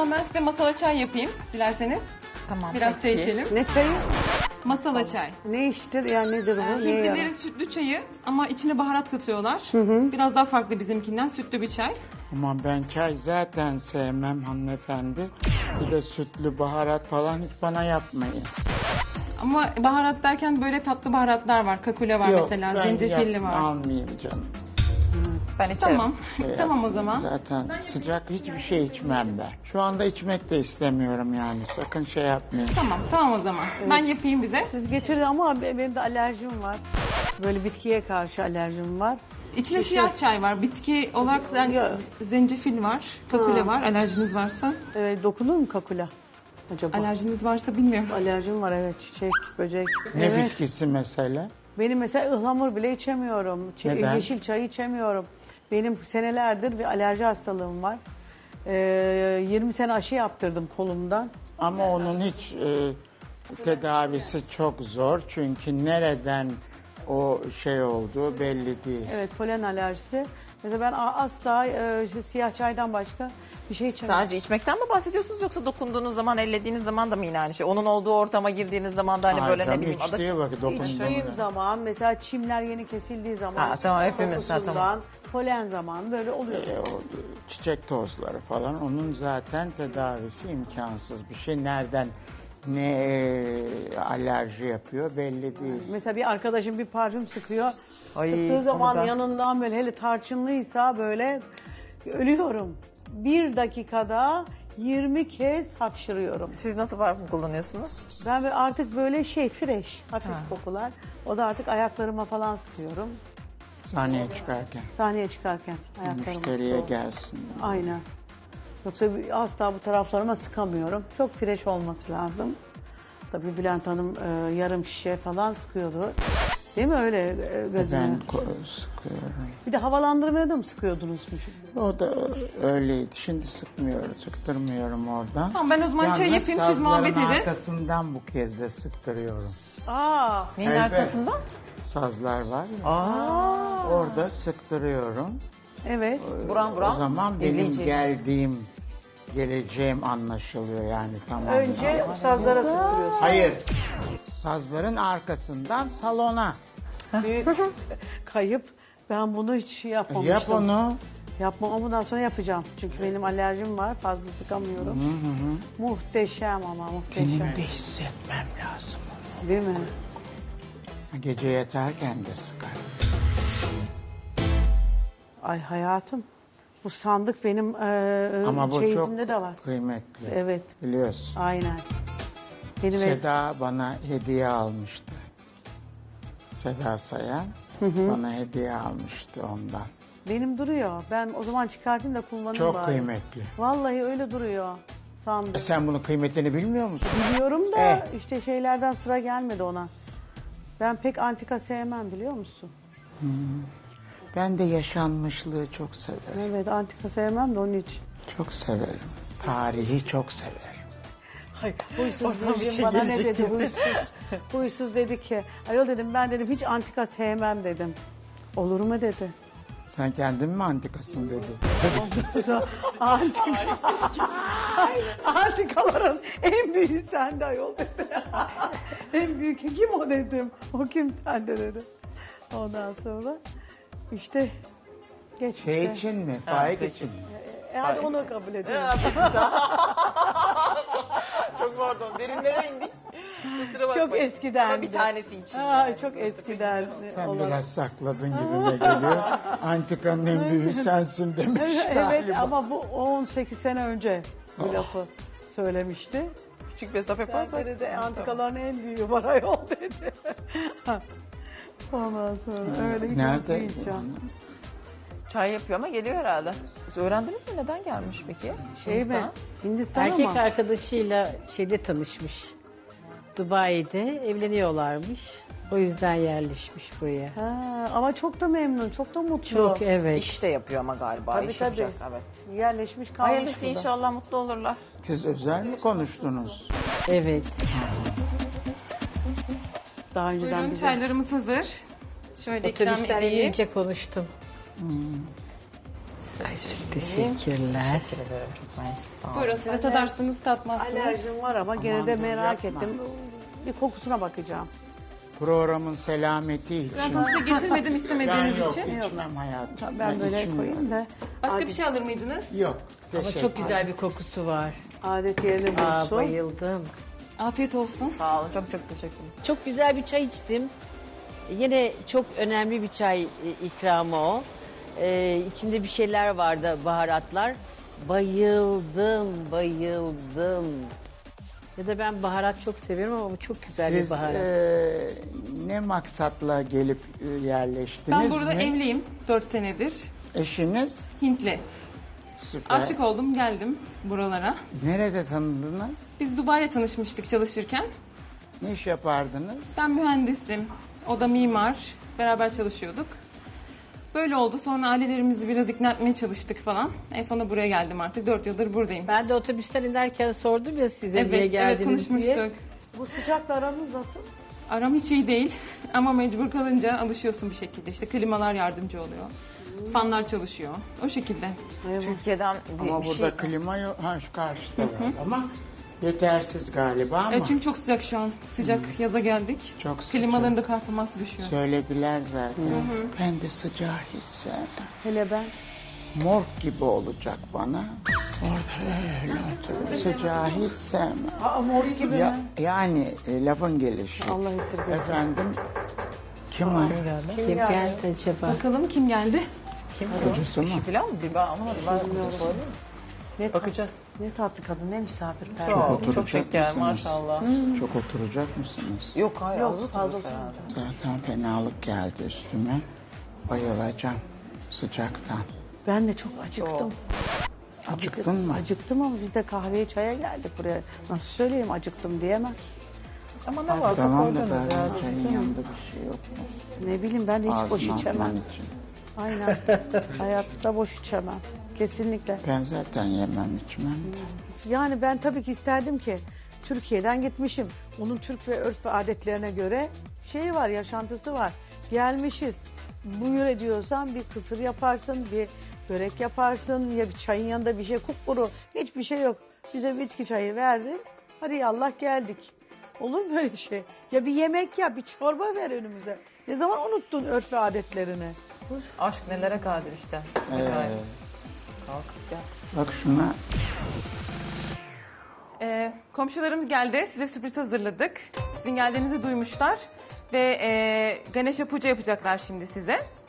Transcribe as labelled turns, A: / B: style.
A: zaman ben size masala çay yapayım dilerseniz.
B: Tamam.
A: Biraz çay içelim.
C: Ne çayı?
A: Masala çay.
C: Ne iştir yani nedir bu? Neye yarar?
A: Hintlilerin sütlü çayı ama içine baharat katıyorlar. Biraz daha farklı bizimkinden, sütlü bir çay.
D: Ama ben çay zaten sevmem hanımefendi. Bir de sütlü baharat falan hiç bana yapmayın.
A: Ama baharat derken böyle tatlı baharatlar var. Kakule var mesela,
D: ben
A: zencefilli var.
D: almayayım canım.
B: Ben içerim.
A: Tamam. Tamam o zaman.
D: Zaten sıcak hiçbir şey içmem ben. Şu anda içmek de istemiyorum yani. Sakın şey yapmayın.
A: Tamam o zaman. Ben yapayım bize.
C: Siz getirin ama benim de alerjim var. Böyle bitkiye karşı alerjim var.
A: İçine siyah çay var. Bitki olarak zencefil var. Kakule var. Alerjiniz varsa.
C: Dokunur mu kakula acaba?
A: Alerjiniz varsa bilmiyorum.
C: Alerjim var evet. Çiçek, böcek.
D: Ne
C: Evet.
D: bitkisi mesela?
C: Benim mesela ıhlamur bile içemiyorum.
D: Neden?
C: Yeşil çay içemiyorum. Benim senelerdir bir alerji hastalığım var. 20 sene aşı yaptırdım kolumdan.
D: Ama onun hiç tedavisi çok zor. Çünkü nereden o şey olduğu belli değil.
C: Evet, polen alerjisi. Mesela ben asla siyah çaydan başka bir şey içemiyorum.
B: Sadece içmekten mi bahsediyorsunuz yoksa dokunduğunuz zaman, ellediğiniz zaman da mı yine aynı şey? Onun olduğu ortama girdiğiniz zaman da hani böyle ne bileyim adı...
D: İçtiği vakit
C: İçtiğim zaman mesela çimler yeni kesildiği zaman.
B: Ha, tamam, hepimiz, ha,
C: kokusundan,
B: tamam.
C: polen zamanı böyle oluyor.
D: o çiçek tozları falan onun zaten tedavisi imkansız bir şey. Nereden ne alerji yapıyor belli değil.
C: Mesela bir arkadaşım bir parfüm sıkıyor.
B: Ay,
C: Sıktığı zaman
B: onu da-
C: yanından böyle hele tarçınlıysa böyle ölüyorum. Bir dakikada 20 kez hapşırıyorum.
B: Siz nasıl parfüm kullanıyorsunuz?
C: Ben artık böyle fresh, hafif kokular. O da artık ayaklarıma falan sıkıyorum.
D: Sahneye çıkarken
C: Sahneye çıkarken ayaklarıma.
D: müşteriye gelsin.
C: Aynen. Yoksa asla bu taraflarıma sıkamıyorum. Çok fresh olması lazım. Tabii Bülent Hanım yarım şişe falan sıkıyordu. Değil mi öyle gözüme?
D: Ben sıkıyorum.
C: Bir de havalandırmaya da mı sıkıyordunuz?
D: O da öyleydi. Şimdi sıktırmıyorum oradan.
A: Tamam, ben o zaman çay
D: Yalnız
A: yapayım, siz muhabbet
D: sazların
A: edin.
D: arkasından bu kez de sıktırıyorum.
C: Aa,
B: Neyin
D: Evet.
B: arkasında?
D: Sazlar var ya. Orada sıktırıyorum.
C: evet.
B: Buram
D: O
B: buram.
D: zaman benim
B: elleyecek.
D: geleceğim anlaşılıyor yani tamam.
C: Önce sazlara sıktırıyorsun.
D: Hayır. Sazların arkasından salona.
C: Büyük kayıp. Ben bunu hiç yapmamıştım.
D: Yap onu.
C: Yapmam ama bundan sonra yapacağım. Çünkü benim alerjim var. Fazla sıkamıyorum. Muhteşem ama muhteşem.
D: Benim de hissetmem lazım.
C: Değil mi?
D: Gece yatarken de sıkar.
C: Ay hayatım. Bu sandık benim
D: Ama bu çok
C: çeyizimde de var.
D: kıymetli.
C: Evet.
D: Biliyorsun.
C: Aynen. Benim
D: Seda bana hediye almıştı. Seda Sayan bana hediye almıştı ondan.
C: benim duruyor. Ben o zaman çıkartayım da kullanayım
D: Çok
C: bari.
D: kıymetli.
C: Vallahi öyle duruyor sandık.
D: Sen bunun kıymetini bilmiyor musun?
C: Biliyorum da işte şeylerden sıra gelmedi ona. Ben pek antika sevmem biliyor musun?
D: Ben de yaşanmışlığı çok severim.
C: Evet antika sevmem de onun için.
D: Çok severim. Tarihi çok severim.
C: Hayır, huysuz
B: Oradan bir
C: Virgin
B: şey
C: bana ne
B: gelecek
C: dedi
B: kesin.
C: huysuz. Huysuz dedi ki ayol dedim ben dedim hiç antika sevmem dedim. Olur mu dedi.
D: Sen kendin mi antikasın dedi.
C: Antikaların en büyüğü sende ayol dedi. En büyük kim o dedim. O kim sende dedi. Ondan sonra işte geç
D: Şey
C: işte.
D: için mi? Faik için mi?
C: Hadi onu kabul edelim.
B: Çok pardon, derinlere indik. Kusura bakmayın.
C: Çok eskiden.
B: Ama bir tanesi için.
C: Çok eskiden.
D: Sen
C: olan.
D: biraz sakladın gibime geliyor. Antikanın en büyüğü sensin demiş
C: Evet
D: galiba.
C: ama bu 18 sene önce bu lafı söylemişti.
B: Küçük mesafe
C: Sen
B: yaparsak.
C: dedi antikaların en büyüğü var ayol dedi. Ondan sonra öyle hiç
D: Nerede?
C: unutmayacağım.
B: Çay yapıyor ama geliyor herhalde. Siz öğrendiniz mi neden gelmiş peki?
C: Şey mi?
B: Hindistan.
C: Hindistan
E: Erkek
C: ama.
E: arkadaşıyla şeyde tanışmış. Dubai'de evleniyorlarmış. O yüzden yerleşmiş buraya.
C: Ha, ama çok da memnun, çok da mutlu.
E: Çok evet.
B: İş de yapıyor ama galiba.
C: Tabii,
B: İş
C: tabii.
B: yapacak, evet.
C: Yerleşmiş kalmış
B: Hayırlısı
C: burada.
B: inşallah mutlu olurlar.
D: Siz özel mi konuştunuz?
E: Evet.
C: Daha önceden
A: Buyurun,
C: bize.
A: çaylarımız hazır. Şöyle ikram
E: Otobüsten
A: edeyim.
E: inince konuştum. Teşekkürler.
B: Teşekkür ederim. Çok mersi. Sağ olun.
A: Buyurun siz de tadarsınız tatmazsınız.
C: Alerjim var ama gene de
D: Aman dur,
C: merak
D: yapma.
C: ettim. Bir kokusuna bakacağım.
D: Programın selameti için.
A: Ben size getirmedim
D: Ben
A: istemediğiniz
D: yok
A: için.
D: içmem hayatım.
C: Ben böyle
D: içmiyorum.
C: koyayım da
A: Başka bir şey alır mıydınız?
D: Yok.
E: Ama
D: teşekkür
E: çok güzel bir kokusu var.
C: adet yerini
E: Aa,
C: bulsun.
E: bayıldım.
A: Afiyet olsun.
B: Sağ olun. Çok çok teşekkürler.
E: Çok güzel bir çay içtim. Yine çok önemli bir çay ikramı o. İçinde bir şeyler vardı, baharatlar. Bayıldım, bayıldım. Ya da ben baharat çok seviyorum ama bu çok güzel
D: Siz
E: bir baharat.
D: ne maksatla gelip yerleştiniz
A: Ben burada
D: mi?
A: evliyim 4 senedir.
D: Eşiniz?
A: Hintli.
D: Süper.
A: Aşık oldum geldim buralara.
D: Nerede tanıdınız?
A: Biz Dubai'de tanışmıştık çalışırken.
D: Ne iş yapardınız?
A: Ben mühendisim. O da mimar. Beraber çalışıyorduk. Böyle oldu. Sonra ailelerimizi biraz ikna etmeye çalıştık falan. En sonunda buraya geldim artık. 4 yıldır buradayım.
E: Ben de otobüsten inerken sordum ya size niye
A: Evet, evet
E: geldiniz
A: konuşmuştuk.
E: diye.
C: Bu sıcakla aranız nasıl?
A: Aram hiç iyi değil ama mecbur kalınca alışıyorsun bir şekilde. İşte klimalar yardımcı oluyor. Fanlar çalışıyor. O şekilde.
B: Türkiye'den bir
D: Ama burada
B: şey...
D: klima yok. Ha, şu karşıda var ama yetersiz galiba ama
A: Çünkü çok sıcak şu an. Sıcak yaza geldik.
D: Çok sıcak.
A: Klimaların da performansı düşüyor.
D: söylediler zaten. Ben de sıcağı hiç sevmem.
C: Hele ben.
D: Morg gibi olacak bana. Orada öyle oturup sıcağı hiç sevmem.
C: Aa, mor gibi
D: Ya,
C: mi?
D: yani lafın gelişi.
C: Allah esirgesin.
D: Efendim kim arıyor?
E: Kim geldi acaba?
A: Bakalım kim geldi?
D: Kocası mı?
B: Eşi falan mı? Bir ben anlamadım. Ben sorayım.
C: Ne
B: Bakacağız.
C: Ne tatlı kadın, ne misafirper.
B: Çok,
D: oturacak
B: çok şeker
D: mısınız?
B: maşallah.
D: Çok oturacak mısınız?
B: Yok hayır.
C: Yok,
B: az
C: fazla
B: otururuz herhalde.
D: Zaten fenalık geldi üstüme. Bayılacağım sıcaktan.
C: Ben de çok acıktım.
D: Acıktın mı?
C: Acıktım ama biz de kahveye çaya geldik buraya. Nasıl söyleyeyim acıktım diyemem.
B: Ama ne varsa
D: Tamam da
B: koydunuz ya.
D: ben çayın yanında bir şey yok mu?
C: Ne bileyim ben de hiç boş
D: Ağzına
C: içemem.
D: atman için.
C: Aynen. Hayatta boş içemem. Kesinlikle.
D: Ben zaten yemem içmem de.
C: Yani ben tabii ki isterdim ki Türkiye'den gitmişim. Onun Türk ve örf ve adetlerine göre şeyi var, yaşantısı var. Gelmişiz. Buyur ediyorsan bir kısır yaparsın, bir börek yaparsın ya bir çayın yanında bir şey kupkuru. Hiçbir şey yok. Bize bitki çayı verdi. Hadi yallah geldik. Olur mu böyle şey? Ya bir yemek ya bir çorba ver önümüze. Ne zaman unuttun örf ve adetlerini?
B: Aşk nelere kadir işte. Efendim. Kalkıp gel.
D: Bak şuna
A: Komşularımız geldi. Size sürpriz hazırladık. Sizin geldiğinizi duymuşlar. Ve Ganesha Puja yapacaklar şimdi size.